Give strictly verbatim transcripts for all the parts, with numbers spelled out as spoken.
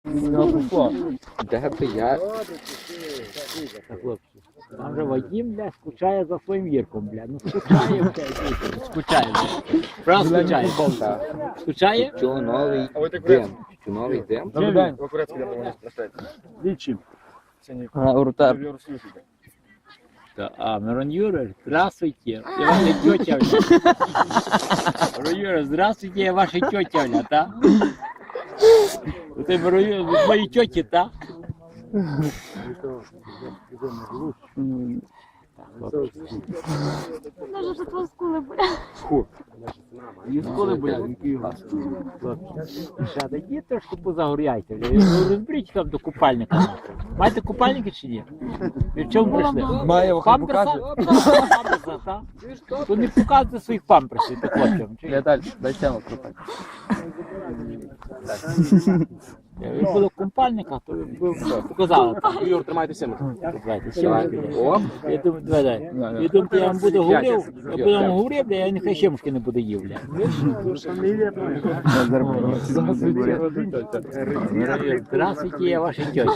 Де би я? Хлопці. Там же Вадим, бля, скучає за своїм Вірком, бля. Ну скучає, бля, скучає, бля. Правда скучає? Скучає? Що новий дим? Що новий дим? Добрий день. Лічим. Урта. А, Мирон Юрьевич, здравствуйте. Я ваша тетя, бля. Мирон Юрьевич, здравствуйте, я ваша тетя, бля, та? Ты, Мирон Юрьевич, мої теті, та? Даже що твої скули болять. І сколи, бля, який газ. Ще дайте трошки позагоряйте, бля. Ну, розберіть там до купальника. нахуй. Маєте купальники чи ні? Ви в чому прийшли? Має, хай покаже. Памперса? Памперса, та? То не показуйте своїх памперсів, так хлопцям. Чи? Далі, дай тему крутати. Ви були в купальниках, то ви б показали. Юр, тримайте сім'ю. Давайте, сімушки. О, Я думаю, давай, дай. Я думаю, я вам буду говорив, я буду вам говорив, бля, я нехай сімушки не буду їв, бля. Здравствуйте, я ваша тетя.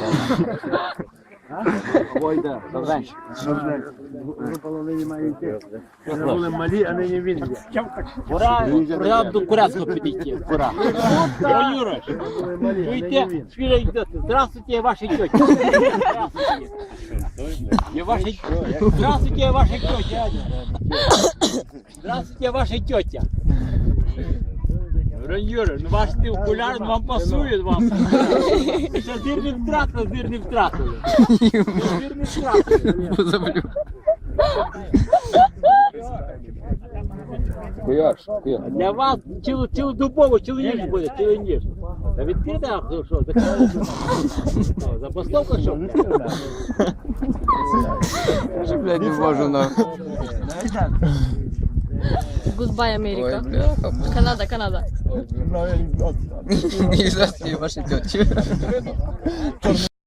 Ой, да, добре. Ви половині маєте. Ми були малі, а нині він є. Пора, пора до Курецького підійти, пора. О, Юра, чуєте, спіля йдете. Здравствуйте, я ваша тетя. Здравствуйте. Я ваша... Здравствуйте, я ваша тетя. Здравствуйте, я ваша тетя. Юра, ну ваш ти окуляр, вам пасує вам. Ще зір не втратили, зір не втратили. Зір не втратили. куяш, куяш. Для вас цілу, цілодобово, цілу ніч буде, цілу ніч. Та відкрите, а хто що? Закрили? Забастовка що? Вже, блядь, не можу на... Goodbye, Америка. Канада, Канада. Не за ваші тьоті.